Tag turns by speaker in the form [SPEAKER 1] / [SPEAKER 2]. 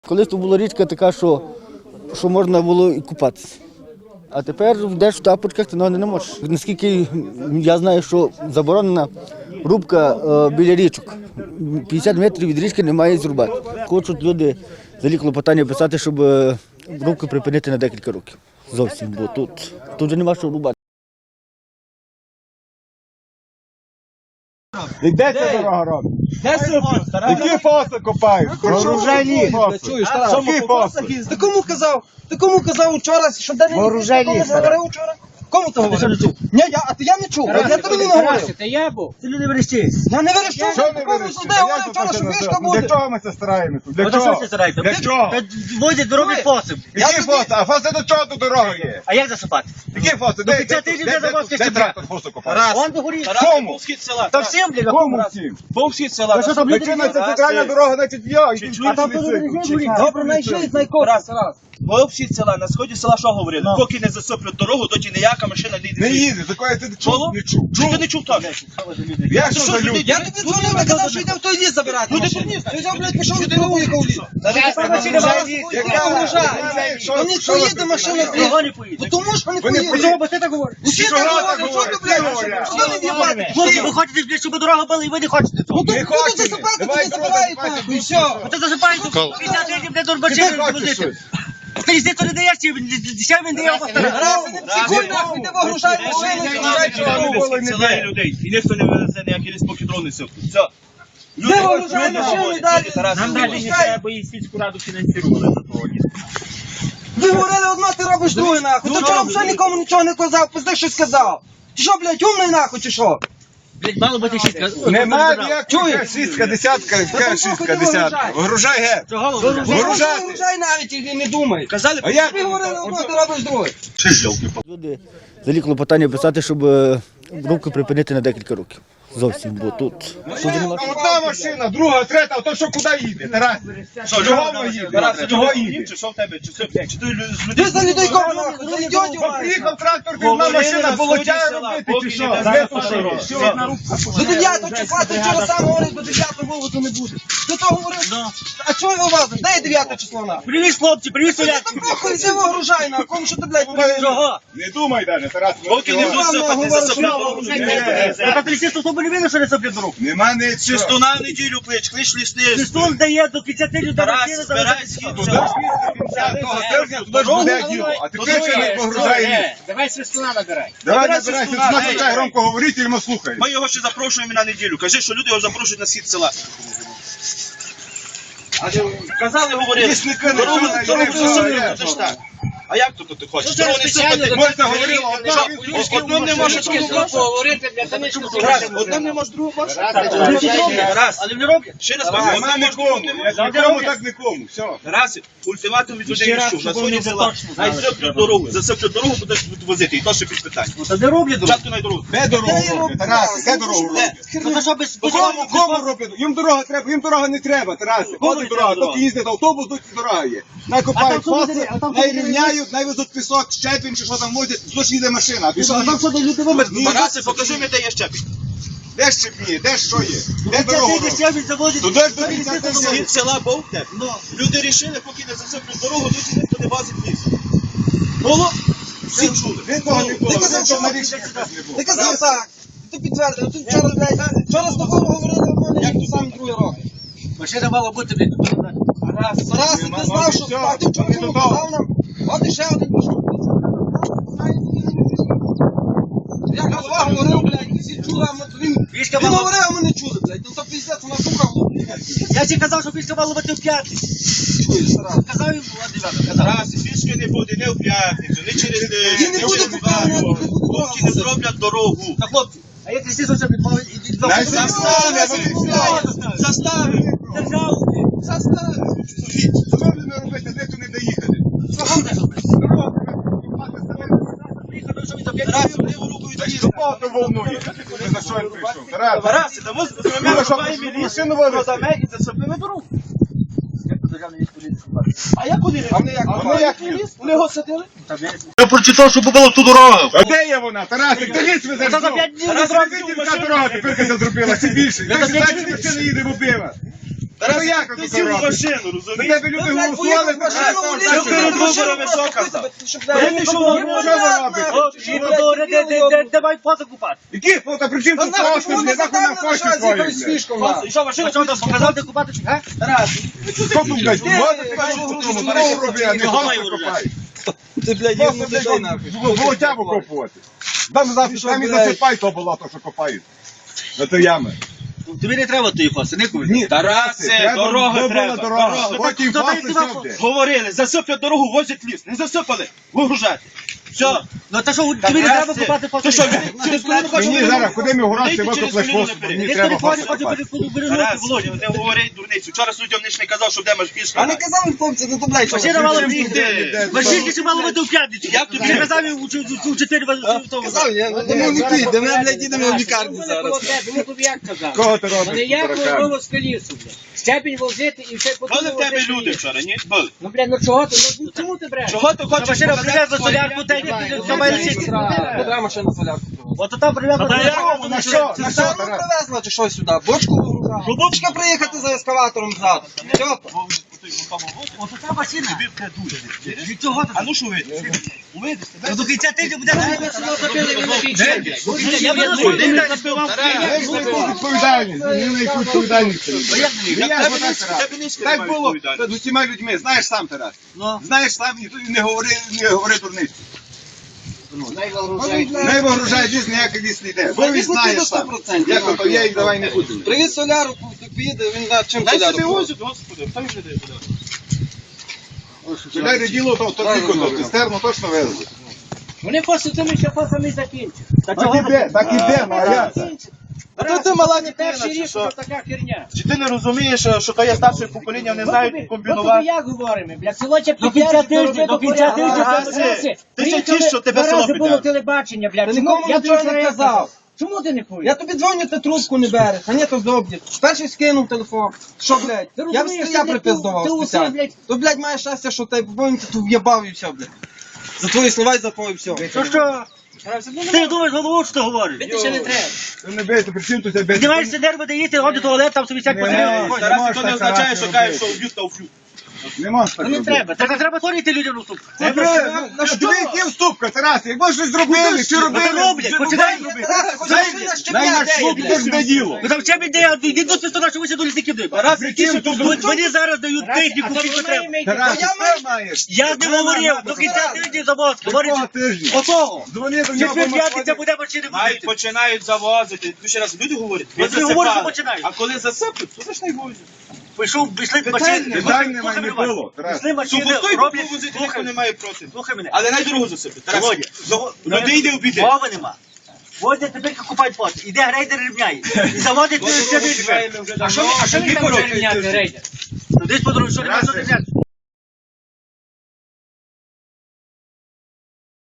[SPEAKER 1] Колись то була річка така, що можна було і купатися. А тепер йдеш в тапочках, ти ноги не можеш. Наскільки я знаю, що заборонена рубка біля річок. 50 метрів від річки немає зрубати. Хочуть люди взагалі клопотання писати, щоб рубку припинити на декілька років. Зовсім, бо тут вже нема що рубати.
[SPEAKER 2] І де ця дорога робить?
[SPEAKER 3] Де сиплю?
[SPEAKER 2] Які фоси копають?
[SPEAKER 3] Вооружені.
[SPEAKER 2] Чуєш,
[SPEAKER 3] Які фоси? Ти кому казав? Ти кому казав вчора, що де не
[SPEAKER 1] Вооружені.
[SPEAKER 3] говорив вчора? Кому ти говорив? Ні, я не чув. Я тобі не говорив.
[SPEAKER 4] Це я був.
[SPEAKER 1] Ти люди верещиш.
[SPEAKER 3] Я не верещу.
[SPEAKER 2] Що не
[SPEAKER 3] Кому
[SPEAKER 2] вирішили?
[SPEAKER 3] туди говорив вчора, що вишка буде?
[SPEAKER 2] Для чого ми це стараємося? Для
[SPEAKER 4] Що
[SPEAKER 2] чого?
[SPEAKER 4] ви стараєте?
[SPEAKER 2] Для чого?
[SPEAKER 4] Возять, роблять посип.
[SPEAKER 2] Які фоси? А фоси до чого тут дорога є?
[SPEAKER 4] А як засипати?
[SPEAKER 2] Які фоси?
[SPEAKER 4] До 50 тисяч де заводська
[SPEAKER 2] Де
[SPEAKER 4] стебля.
[SPEAKER 2] трактор фосу копає?
[SPEAKER 4] Вон догорі.
[SPEAKER 2] Кому?
[SPEAKER 4] Та всім, блядь,
[SPEAKER 2] Кому всім?
[SPEAKER 3] Повсхід села.
[SPEAKER 4] Ви що там люди?
[SPEAKER 2] Причина це центральна дорога, значить я.
[SPEAKER 4] А там туди горі.
[SPEAKER 3] Добре, найшли, найкоп.
[SPEAKER 5] Повсхід села, на сході села що говорили? Поки не засиплють дорогу, доті ніяка машина не
[SPEAKER 2] Не
[SPEAKER 5] йде.
[SPEAKER 2] їде, такої ти чув? Не чув.
[SPEAKER 5] Чи ти не чув так?
[SPEAKER 2] Я що за люди?
[SPEAKER 3] Я тобі дзвонив, я казав, що йдемо в той ліс забирати машину. Ти взяв, блядь, пішов в дорогу, яка в ліс. Вони поїде машина в ліс.
[SPEAKER 4] Кого не поїде?
[SPEAKER 3] Тому що вони
[SPEAKER 2] Вони
[SPEAKER 3] поїдуть.
[SPEAKER 2] поїдуть.
[SPEAKER 4] Бо ти так говориш.
[SPEAKER 3] Усі
[SPEAKER 2] Що
[SPEAKER 3] так
[SPEAKER 2] так
[SPEAKER 3] говорять, що
[SPEAKER 2] говорять?
[SPEAKER 3] ти, блядь,
[SPEAKER 2] Говорять.
[SPEAKER 3] що не в'їбати?
[SPEAKER 4] Хлопці, ви хочете, блядь, щоб дорога була, і ви не хочете цього.
[SPEAKER 3] Ну то
[SPEAKER 2] Не
[SPEAKER 3] будуть
[SPEAKER 2] хочемо.
[SPEAKER 3] засипати,
[SPEAKER 2] Давай
[SPEAKER 3] тоді забирають
[SPEAKER 2] давай,
[SPEAKER 3] нахуй, і все.
[SPEAKER 4] Це засипають 50 років, де
[SPEAKER 2] Ти
[SPEAKER 4] дурбачів
[SPEAKER 2] хочеш
[SPEAKER 4] возити.
[SPEAKER 2] щось?
[SPEAKER 4] Ти ніхто не даєш, чи він дає поставити.
[SPEAKER 3] Раз, не психуй нахуй, ти вигружай машину, ти вигружай чоловіку.
[SPEAKER 5] Села і людей. І ніхто не вивезе ніякі ліс, поки дрони сиплють. Все.
[SPEAKER 3] Ти вигружай машину і далі.
[SPEAKER 4] Нам навіть не треба, бо і сільську раду фінансували за того лісу.
[SPEAKER 3] Ви говорили одно, ти робиш друге нахуй. Ти вчора взагалі нікому нічого не казав, пизди щось сказав. Ти що, блядь, умний нахуй чи що?
[SPEAKER 4] Блядь, мало бути шістка.
[SPEAKER 2] Нема ніякої
[SPEAKER 3] Чуєш?
[SPEAKER 2] шістка, десятка, яка шістка, десятка. Вигружай геть.
[SPEAKER 4] Чого
[SPEAKER 3] Ти
[SPEAKER 2] Вигружати.
[SPEAKER 3] вигружай навіть і не думай.
[SPEAKER 5] Казали,
[SPEAKER 2] А як?
[SPEAKER 3] Ви говорили одно, ти робиш друге.
[SPEAKER 1] Люди взагалі клопотання писати, щоб рубку припинити на декілька років. Зовсім, бо тут вже нема що.
[SPEAKER 2] Одна машина, друга, третя, а то що куди їде? Тарас? Чого воно їде? Чого їде?
[SPEAKER 5] Чи що в тебе? Чи ти з
[SPEAKER 3] Ти
[SPEAKER 5] людей?
[SPEAKER 3] за людей кому нахуй, за ідіотів
[SPEAKER 2] Бо
[SPEAKER 3] маєш.
[SPEAKER 2] приїхав трактор, ти одна машина, волочає робити, чи що? Де то що є?
[SPEAKER 3] До 9 числа, ти вчора сам говорив, до 9 вивозу не буде. Ти то говорив? А чого ви вивозиш? Де є 9 число нахуй?
[SPEAKER 4] Привіз, хлопці, привіз
[SPEAKER 3] Ти
[SPEAKER 4] соляк.
[SPEAKER 3] там похуй, ти вигружай нахуй, кому що ти, блядь, привіз?
[SPEAKER 4] Чого?
[SPEAKER 2] Не думай навіть, Тарас.
[SPEAKER 5] Поки не будуть сипати, не засиплять.
[SPEAKER 4] А лісисту особо не видно, що не соплять дорогу.
[SPEAKER 2] Нема нічого.
[SPEAKER 5] Чистуна в неділю клич, клич лісний.
[SPEAKER 4] Листун дає до 50 людей.
[SPEAKER 5] Тарас, збирай схід.
[SPEAKER 2] Туди ж того тижня, туди ж буде діло. А ти ще не погружай.
[SPEAKER 4] Давай свистуна набирай.
[SPEAKER 2] Давай набирайся, ти нас почай громко говорити, і ми слухаємо.
[SPEAKER 5] Ми його ще запрошуємо на неділю. Кажи, що люди його запрошують на схід села. Казали, говорили.
[SPEAKER 2] Лісники не
[SPEAKER 5] Дорогу
[SPEAKER 2] чують,
[SPEAKER 5] дорогу
[SPEAKER 2] не
[SPEAKER 5] засиплють,
[SPEAKER 2] чують.
[SPEAKER 5] це ж так. А як тут ти хочеш? Дорогу не сипати.
[SPEAKER 2] Можна говорити,
[SPEAKER 5] Одним не можеш
[SPEAKER 4] Поговорити, для того, щоб
[SPEAKER 5] Одним не можеш, другу можеш.
[SPEAKER 4] Раз. Але не роблять.
[SPEAKER 5] Ще раз
[SPEAKER 2] Нема
[SPEAKER 5] одним можеш,
[SPEAKER 2] нікому.
[SPEAKER 5] другу не можеш.
[SPEAKER 2] Як нікому, так нікому. Все.
[SPEAKER 5] Раз, ультиматум від людей
[SPEAKER 4] Ще раз,
[SPEAKER 5] пішов. На
[SPEAKER 4] щоб
[SPEAKER 5] сході
[SPEAKER 4] вони
[SPEAKER 5] села.
[SPEAKER 4] точно
[SPEAKER 5] Най
[SPEAKER 4] знали,
[SPEAKER 5] засиплють дорогу. Засиплють дорогу, будуть возити. І то ще під питання.
[SPEAKER 4] Та не роблять дорогу.
[SPEAKER 5] Спочатку на дорогу.
[SPEAKER 2] Де дорогу роблять? Тарас, де дорогу роблять?
[SPEAKER 4] Ну то що без...
[SPEAKER 2] Кому роблять? Їм дорога треба, їм дорога не треба, Тарас. Ходить дорога,
[SPEAKER 4] дорога?
[SPEAKER 2] тільки їздить автобус, тут дорога є. Накопають фоси, найрівняють, найвезуть пісок, щеплень, чи що там возять, злоч їде машина. А пішов
[SPEAKER 4] Там що до люди вимерли?
[SPEAKER 5] Тарасе, покажи мені, де є щепінь.
[SPEAKER 2] де щепні, де що є? Де дорогу роблять?
[SPEAKER 4] Ще заводять.
[SPEAKER 2] Туди ж до кінця тижня.
[SPEAKER 5] Схід села був де? Люди рішили, поки не засиплють дорогу, тут ніхто не возить ліс. Було? Всі чули.
[SPEAKER 2] Він того не було,
[SPEAKER 3] Ти казав,
[SPEAKER 2] він
[SPEAKER 3] що
[SPEAKER 2] того
[SPEAKER 3] ти-
[SPEAKER 2] на річці не було.
[SPEAKER 3] Ти казав так. Ти підтвердив. Ти вчора, блядь, вчора з тобою говорили одно, як ти сам друге робиш.
[SPEAKER 4] Машина мала бути, блядь.
[SPEAKER 3] Раз, ти знав, що а ти вчора чому казав нам? От іще один пішов. Я голова говорив, блядь, всі чули, а він
[SPEAKER 4] Вішка
[SPEAKER 3] він
[SPEAKER 4] мала...
[SPEAKER 3] говорив, а ми не чули, блядь. Ну то пиздець, вона сука.
[SPEAKER 4] Я ще казав, що вішка мала бути в п'ятницю.
[SPEAKER 3] Чуєш, Тарас?
[SPEAKER 4] Казав їм, була 9 казав.
[SPEAKER 5] Раз, фішки не буде, не в п'ятницю, не через
[SPEAKER 3] Він не буде поки не буде
[SPEAKER 5] Хлопці не зроблять дорогу.
[SPEAKER 4] Та хлопці, а як лісисту ще підмовить?
[SPEAKER 5] Заставив.
[SPEAKER 4] Державу.
[SPEAKER 3] Заставив.
[SPEAKER 2] Що будемо робити, де то не доїхати?
[SPEAKER 5] Раз, ліву руку
[SPEAKER 2] Та
[SPEAKER 5] відрізав.
[SPEAKER 2] що палка волнує? Ти за що він прийшов? Тарас,
[SPEAKER 5] Раз, тому
[SPEAKER 2] Ну, що, машину возиш?
[SPEAKER 5] і засипли на дорогу. А як вони?
[SPEAKER 3] А вони як?
[SPEAKER 2] А вони як ліз?
[SPEAKER 5] Вони його садили?
[SPEAKER 4] Я прочитав, що було в ту дорогу.
[SPEAKER 2] А де є вона? Тарасик, ти ліс везеш?
[SPEAKER 4] Та за 5 днів не
[SPEAKER 2] Тарас,
[SPEAKER 4] зробив
[SPEAKER 2] ти яка дорога тепер це зробила, чи більше? Як ти знаєш, машина їде в обіва?
[SPEAKER 5] Тарас,
[SPEAKER 2] як
[SPEAKER 5] ти
[SPEAKER 2] ти
[SPEAKER 5] сів в
[SPEAKER 2] робиш?
[SPEAKER 5] машину,
[SPEAKER 2] До
[SPEAKER 5] розумієш?
[SPEAKER 2] тебе люди
[SPEAKER 3] Ну, блядь,
[SPEAKER 2] голосували,
[SPEAKER 3] поїхав в машину,
[SPEAKER 2] так,
[SPEAKER 3] вліз,
[SPEAKER 2] так,
[SPEAKER 5] ти перед
[SPEAKER 2] так.
[SPEAKER 5] виборами що казав? Коли ти йшов на вибори,
[SPEAKER 2] що ви робите?
[SPEAKER 4] Де мають фото купати?
[SPEAKER 2] Які фото, при чому
[SPEAKER 3] Та
[SPEAKER 2] тут
[SPEAKER 3] нахуй,
[SPEAKER 2] кошти,
[SPEAKER 3] чому
[SPEAKER 2] не
[SPEAKER 3] ти
[SPEAKER 2] нахуй на
[SPEAKER 3] заставили
[SPEAKER 2] кошти
[SPEAKER 3] лишати з
[SPEAKER 2] твої,
[SPEAKER 3] якоюсь
[SPEAKER 2] блядь.
[SPEAKER 3] фішкою, нахуй?
[SPEAKER 5] Що, машину
[SPEAKER 4] Що там показав, де купати, чи га?
[SPEAKER 5] Тарас,
[SPEAKER 2] Що тут, блядь, вот ти кажеш, що тут дорогу роби, а не
[SPEAKER 4] Гамай
[SPEAKER 2] гамай
[SPEAKER 4] урожай.
[SPEAKER 2] копай.
[SPEAKER 3] Ти, блядь,
[SPEAKER 2] Просто,
[SPEAKER 3] йому дай нахуй.
[SPEAKER 2] блядь, болотяву копувати. Там і
[SPEAKER 3] блядь?
[SPEAKER 2] засипай то болото, що копають. На то ями.
[SPEAKER 4] Тобі не треба тої фаси, не купи.
[SPEAKER 2] Ні,
[SPEAKER 5] Тарасе, дорога
[SPEAKER 2] добра
[SPEAKER 5] треба.
[SPEAKER 2] дорога.
[SPEAKER 5] Дорога.
[SPEAKER 2] Потім
[SPEAKER 4] Хто
[SPEAKER 2] фаси
[SPEAKER 4] дає тобі
[SPEAKER 2] сюди.
[SPEAKER 5] Говорили, засиплять дорогу, возять ліс. Не засипали, вигружати. Все.
[SPEAKER 4] Ну та що, тобі не треба купати фото?
[SPEAKER 5] Ти що, через коліно хочеш?
[SPEAKER 2] Мені зараз, куди ми гуранці
[SPEAKER 5] Вийти через
[SPEAKER 2] викоплеш
[SPEAKER 5] коліно
[SPEAKER 2] фосфор,
[SPEAKER 5] наперед.
[SPEAKER 2] мені
[SPEAKER 4] Десь
[SPEAKER 2] треба
[SPEAKER 4] телефоні
[SPEAKER 2] фосфор
[SPEAKER 4] хочу
[SPEAKER 2] копати.
[SPEAKER 4] перевернути
[SPEAKER 5] Тарас,
[SPEAKER 4] Володю.
[SPEAKER 5] не говори дурницю. Вчора суддям ніч не казав, що де маш пішка.
[SPEAKER 3] А не казав він, хлопці, ну то, блядь, що
[SPEAKER 4] Машина
[SPEAKER 3] ви?
[SPEAKER 4] мала
[SPEAKER 5] Чим
[SPEAKER 4] приїхати.
[SPEAKER 5] туди?
[SPEAKER 4] Машинки ще мало бути в п'ятницю.
[SPEAKER 5] Як тобі?
[SPEAKER 4] Ти казав їм у 4
[SPEAKER 3] Казав, я думаю, не піде, ми, блядь, їдемо в лікарню зараз.
[SPEAKER 6] Ну тобі як казав?
[SPEAKER 2] Кого ти
[SPEAKER 6] Вони
[SPEAKER 2] робиш?
[SPEAKER 6] як
[SPEAKER 2] таракан?
[SPEAKER 6] можливо з колісу, блядь. Щепінь возити і все
[SPEAKER 5] Були в тебе люди вчора, ні? Були.
[SPEAKER 6] Ну, блядь, ну чого ти? Ну чому ти бреш?
[SPEAKER 5] Чого ти хочеш?
[SPEAKER 4] Машина
[SPEAKER 5] показати
[SPEAKER 4] привезла
[SPEAKER 5] своє?
[SPEAKER 4] солярку, та й не має лишити.
[SPEAKER 3] Куди машина солярку привезла?
[SPEAKER 4] От там привезла солярку,
[SPEAKER 2] На що?
[SPEAKER 3] Це
[SPEAKER 2] На що,
[SPEAKER 3] саме
[SPEAKER 2] Тарас?
[SPEAKER 3] привезла чи що сюди? Бочку вигружала? Бочка приїхати за ескаватором ззаду. Все.
[SPEAKER 4] От та машина. Від цього
[SPEAKER 5] А ну що ви?
[SPEAKER 4] Ну, до кінця тижня буде. Я
[SPEAKER 5] Ти
[SPEAKER 4] буду
[SPEAKER 5] не напивав.
[SPEAKER 2] Як ви таку відповідальність? Мені на яку відповідальність?
[SPEAKER 5] Тебе низько
[SPEAKER 2] Так
[SPEAKER 5] немає
[SPEAKER 2] було
[SPEAKER 5] відповідальності.
[SPEAKER 2] з усіма людьми, знаєш сам, Тарас.
[SPEAKER 4] Ну.
[SPEAKER 2] Знаєш сам, і не говори дурницю. Не вигружай ліс, ніякий ліс не йде. Бо він
[SPEAKER 3] Ліс не
[SPEAKER 2] знає
[SPEAKER 3] піде
[SPEAKER 2] сам.
[SPEAKER 3] 100%.
[SPEAKER 2] Як то є, і давай не будемо.
[SPEAKER 3] Привіз соляру, поїде, він знає, чим
[SPEAKER 5] Дай
[SPEAKER 3] соляру.
[SPEAKER 5] собі
[SPEAKER 3] привозить.
[SPEAKER 5] возять, господи, хто їм не дає подати?
[SPEAKER 2] Чекай, діло, то тільки то, цистерну точно везли.
[SPEAKER 6] Вони просто тими ще фасами закінчать.
[SPEAKER 2] Так іде, Мар'я.
[SPEAKER 5] А то ти мала не
[SPEAKER 6] Перший
[SPEAKER 5] чи
[SPEAKER 6] рік
[SPEAKER 5] що?
[SPEAKER 6] то така херня.
[SPEAKER 5] Чи ти не розумієш, що то є старше покоління, не знають
[SPEAKER 6] Ну тобі
[SPEAKER 5] комбінувати?
[SPEAKER 6] як говоримо, блядь, село ще
[SPEAKER 4] До кінця тижня, до кінця
[SPEAKER 5] тижня. Ти ще ті, що тебе
[SPEAKER 6] Два
[SPEAKER 5] село
[SPEAKER 6] рази було
[SPEAKER 5] піде.
[SPEAKER 6] телебачення, блядь.
[SPEAKER 3] Та
[SPEAKER 6] Чому?
[SPEAKER 3] нікому
[SPEAKER 6] Я
[SPEAKER 3] нічого
[SPEAKER 6] тобі
[SPEAKER 3] не
[SPEAKER 6] вчора
[SPEAKER 3] казав.
[SPEAKER 6] Чому ти не поїдеш?
[SPEAKER 3] Я тобі дзвоню, ти трубку не береш, а ні, то здобні. Перший скинув телефон. Що, блядь?
[SPEAKER 6] Ти
[SPEAKER 3] Я
[SPEAKER 6] розумієш,
[SPEAKER 3] я
[SPEAKER 6] ти
[SPEAKER 3] припиздував
[SPEAKER 6] ти усе,
[SPEAKER 3] спеціально.
[SPEAKER 6] блядь.
[SPEAKER 3] То, блядь, маєш щастя, що ти повинен ти тут в'єбав і все, блядь. За твої слова і за твої все.
[SPEAKER 4] Що? Ти думаєш, голову, що ти говориш?
[SPEAKER 6] Бити ще не треба.
[SPEAKER 2] Не бейте, при чому тут тебе?
[SPEAKER 4] Знімаєшся нерви, де їсти, ходи в туалет, там собі всяк
[SPEAKER 2] Не,
[SPEAKER 4] потрібно.
[SPEAKER 5] Тарас, то не означає, що кажеш, що вб'ють та вб'ють.
[SPEAKER 2] Нема ж так
[SPEAKER 6] Ну не
[SPEAKER 2] робити.
[SPEAKER 6] треба.
[SPEAKER 4] Так не треба творити людям на суп.
[SPEAKER 2] На що? Тобі які вступка, Тарас? Як може щось зробили, чи робили?
[SPEAKER 4] роблять, починають
[SPEAKER 2] Дай-
[SPEAKER 4] робити.
[SPEAKER 3] Тарас, хоч машина
[SPEAKER 2] Дай
[SPEAKER 3] щепня,
[SPEAKER 2] на
[SPEAKER 3] де є,
[SPEAKER 2] шлуп,
[SPEAKER 3] блядь?
[SPEAKER 2] то ж не діло.
[SPEAKER 4] Ну там ще ідея, йди до спису, що ви ще до лісників дають.
[SPEAKER 5] Тарас, які що тут
[SPEAKER 4] Мені зараз дають техніку, скільки треба.
[SPEAKER 2] Тарас,
[SPEAKER 3] Я
[SPEAKER 2] ти маєш.
[SPEAKER 4] Я не говорив, до кінця тижня завоз.
[SPEAKER 2] Якого
[SPEAKER 4] Говорить,
[SPEAKER 2] тижня?
[SPEAKER 4] отого.
[SPEAKER 2] Дзвони до нього.
[SPEAKER 4] Четвер п'ятниця буде машини
[SPEAKER 5] Навіть
[SPEAKER 4] возити.
[SPEAKER 5] починають завозити. Ти ще раз люди говорять, ви
[SPEAKER 4] От ви говорите, що
[SPEAKER 5] засипали.
[SPEAKER 4] починають.
[SPEAKER 5] А коли засиплють, то за ж не возять.
[SPEAKER 4] Пішли машини.
[SPEAKER 2] Питань немає, не було. Тарас.
[SPEAKER 4] Пішли машини,
[SPEAKER 5] Сухостой
[SPEAKER 4] роблять.
[SPEAKER 5] повозити ніхто не має проти.
[SPEAKER 4] Слухай мене.
[SPEAKER 5] Але най дорогу засиплють. Тарас,
[SPEAKER 4] Володя,
[SPEAKER 5] люди йде обійти.
[SPEAKER 4] Мови нема. Возять тепер купають фото. Іде грейдер рівняє. І заводить ще більше.
[SPEAKER 6] А що він там може рівняти, рейдер?
[SPEAKER 4] Ну десь по дорозі, що немає що рівняти.